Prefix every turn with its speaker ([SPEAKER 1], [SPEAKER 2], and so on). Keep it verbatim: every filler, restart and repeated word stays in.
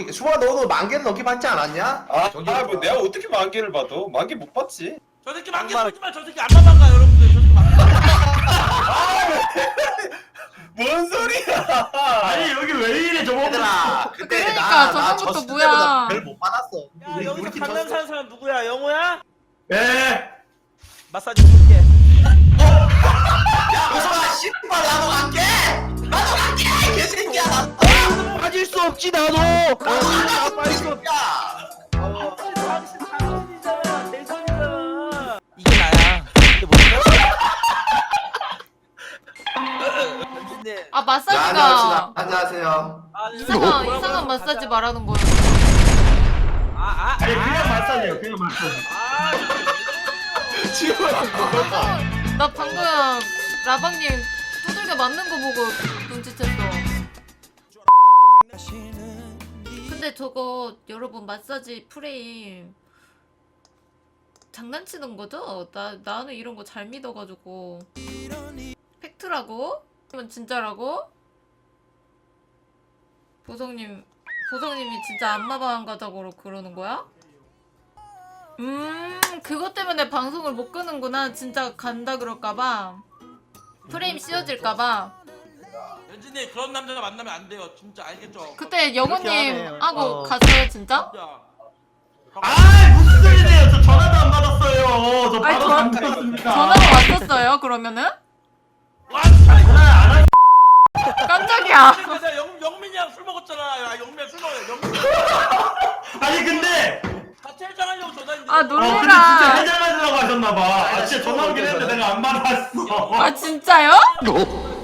[SPEAKER 1] 수아 너도 만 개는 넘게 받지 않았냐?
[SPEAKER 2] 아,
[SPEAKER 1] 저기
[SPEAKER 2] 아, 뭐 내가 어떻게 만 개를 봐도 만 개 못 봤지.
[SPEAKER 3] 저 새끼 만개 쏘지만 저 새끼 안만 가 여러분들. 저 새끼 만개.
[SPEAKER 2] 뭔 소리야?
[SPEAKER 4] 아니 여기 왜 이래 저거.
[SPEAKER 1] 얘들아 그때
[SPEAKER 5] 그러니까 저번부터 뭐야.
[SPEAKER 1] 별못 받았어.
[SPEAKER 3] 야
[SPEAKER 1] 우리
[SPEAKER 3] 여기서
[SPEAKER 1] 우리 팀
[SPEAKER 3] 강남
[SPEAKER 1] 졌어.
[SPEAKER 3] 사는 사람 누구야? 영호야?
[SPEAKER 4] 예.
[SPEAKER 3] 마사지 줄게.
[SPEAKER 1] 야 우성아 씨발 나도 갈게. 나도 갈게 개새끼야 나.
[SPEAKER 3] 빠질 수 없지 나도.
[SPEAKER 1] 나도 갈게 개새끼야.
[SPEAKER 3] 당신 당신이잖아. 대선이잖아. 이게 나야. 근데 뭐냐? 당신네.
[SPEAKER 5] 아
[SPEAKER 1] 야,
[SPEAKER 5] 마사지가
[SPEAKER 1] 안녕하세요. 안녕하세요.
[SPEAKER 3] 아,
[SPEAKER 5] 이상한 이상한 마사지 말하는 거예요.
[SPEAKER 3] 아아
[SPEAKER 4] 아니 그냥 마사지요 그냥 마사지.
[SPEAKER 3] 아.
[SPEAKER 1] 지금
[SPEAKER 5] 나 방금 라방님 두들겨 맞는 거 보고 눈치챘어. 근데 저거 여러분 마사지 프레임 장난치는 거죠? 나 나는 이런 거 잘 믿어가지고. 팩트라고? 그러면 진짜라고? 보성님 보성님이 진짜 안마방 가자고 그러는 거야? 음 그것 때문에 방송을 못 끄는구나. 진짜 간다 그럴까봐 프레임 씌워질까봐.
[SPEAKER 3] 연진님 그런 남자 만나면 안 돼요. 진짜 알겠죠?
[SPEAKER 5] 그때 영호님 하고
[SPEAKER 3] 어.
[SPEAKER 5] 갔어요 진짜?
[SPEAKER 3] 진짜.
[SPEAKER 4] 아 무슨 소리세요? 저 전화도 안 받았어요. 저
[SPEAKER 5] 아니,
[SPEAKER 4] 바로
[SPEAKER 5] 전-
[SPEAKER 4] 잠들었습니다.
[SPEAKER 5] 전화가 왔었어요 그러면은?
[SPEAKER 3] 와 진짜.
[SPEAKER 4] 전화 안 하.
[SPEAKER 5] 깜짝이야.
[SPEAKER 3] 그래서 영 영민이랑 술 먹었잖아. 야 영민이랑 술 먹어. 영민.
[SPEAKER 4] 아니 근데
[SPEAKER 3] 같이 해장하려고 전화했는데.
[SPEAKER 5] 아
[SPEAKER 4] 어 근데 진짜
[SPEAKER 5] 놀래라.
[SPEAKER 4] 해장하려고 하셨나봐. 아 진짜 전화 오긴 했는데 내가 안 받았어.
[SPEAKER 5] 아 진짜요?